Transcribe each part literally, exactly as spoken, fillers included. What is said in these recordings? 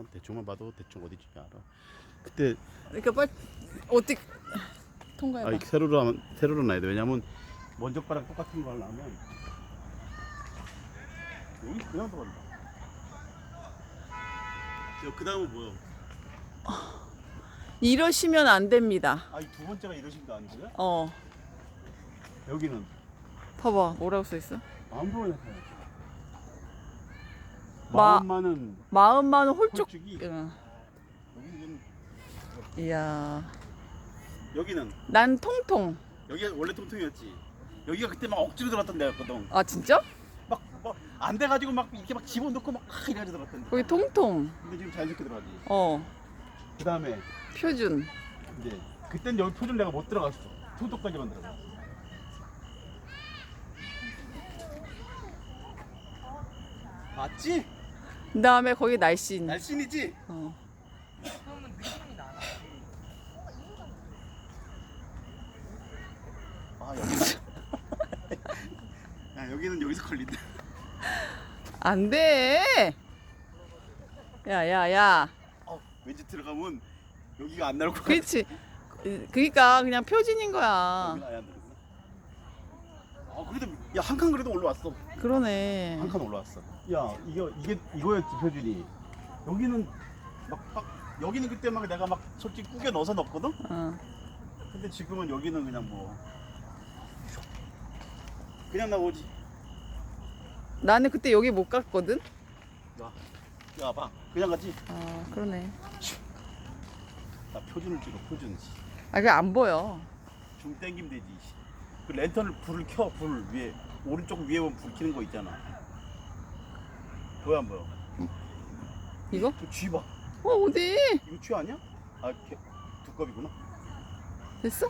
난 대충만 봐도 대충 어디지 알아. 그때 그러니까 빨리 어떻게 통과해봐. 아, 세로로 하면 세로로 놔야 돼. 왜냐면 먼저 거랑 똑같은 거 하려면 여기 그냥 들어간다. 그 다음은 뭐야? 이러시면 안 됩니다. 아이 두 번째가 이러신 거 아니고요? 어, 여기는 봐봐. 뭐라고 써 있어? 마음만은 마- 마음만은 마음만 홀쭉. 홀쭉이. 응. 여기는 이야, 여기는 난 통통. 여기가 원래 통통이었지. 여기가 그때 막 억지로 들어갔던 데였거든. 아 진짜? 막막안 돼가지고 막 이렇게 막 집어넣고 막 이래가지고 들어갔던 데. 거기 통통. 근데 지금 자연스럽게 들어가지. 어, 그 다음에 표준. 이제 그땐 여기 표준 내가 못 들어갔어. 통통까지만 들어가. 맞지? 그 다음에 거기 날씬. 날씬이지? 어. 아 여기는 야 여기는 여기서 걸린다. 안 돼. 야, 야, 야. 어, 왠지 들어가면 여기가 안 나올 것 같아. 그렇지. 그러니까 그냥 표준인 거야. 여기는 아예 안 들어가. 아 그래도 야 한 칸 그래도 올라왔어. 그러네. 한 칸 올라왔어. 야 이거 이게 이거였지 표준이. 여기는 막, 막 여기는 그때 막 내가 막 솔직히 꾸겨 넣어서 넣었거든. 어. 근데 지금은 여기는 그냥 뭐 그냥 나오지. 나는 그때 여기 못 갔거든. 야, 야 봐. 그냥 갔지. 아, 그러네. 나 표준을 찍어 표준. 아, 그게 안 보여. 줌 땡기면 되지. 그 랜턴을 불을 켜. 불 위에 오른쪽 위에 보면 불 켜는 거 있잖아. 보여 안 보여? 이거? 그 쥐 봐. 어, 어디? 이거 쥐 아니야? 아 개, 두꺼비구나. 됐어?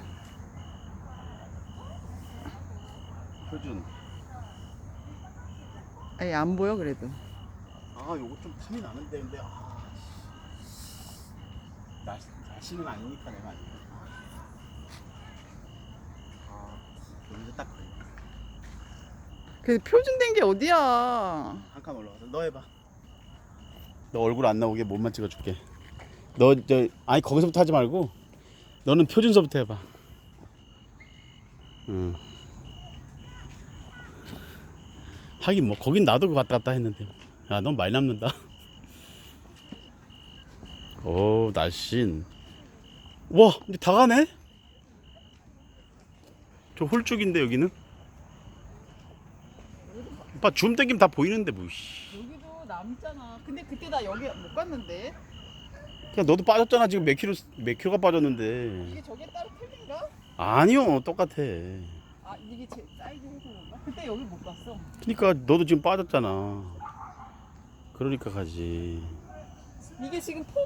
표준. 아니, 안 보여, 그래도. 아 요거 좀 탐이 나는데 근데 아 날, 날씨는 아니니까 내가 아니야. 아 여기서 딱 그래도 표준된 게 어디야? 한 칸 올라가서 너 해봐. 너 얼굴 안 나오게 몸만 찍어줄게. 너 저 아니 거기서부터 하지 말고 너는 표준서부터 해봐. 응. 하긴 뭐 거긴 나도 그 왔다 갔다 했는데. 야 넌 많이 남는다. 오 날씬. 와 이제 다 가네. 저 홀쭉인데 여기는. 오빠 줌 땡기면 다 보이는데 뭐. 씨. 여기도 남잖아. 근데 그때 나 여기 못 갔는데. 그냥 너도 빠졌잖아 지금 몇 킬로 몇 킬로가 빠졌는데. 이게 저게 따로 틀린가? 아니요 똑같아. 아, 이게 제 사이즈 해서 그런가? 그때 여기 못 갔어. 그러니까 너도 지금 빠졌잖아. 그러니까 가지. 이게 지금 폼이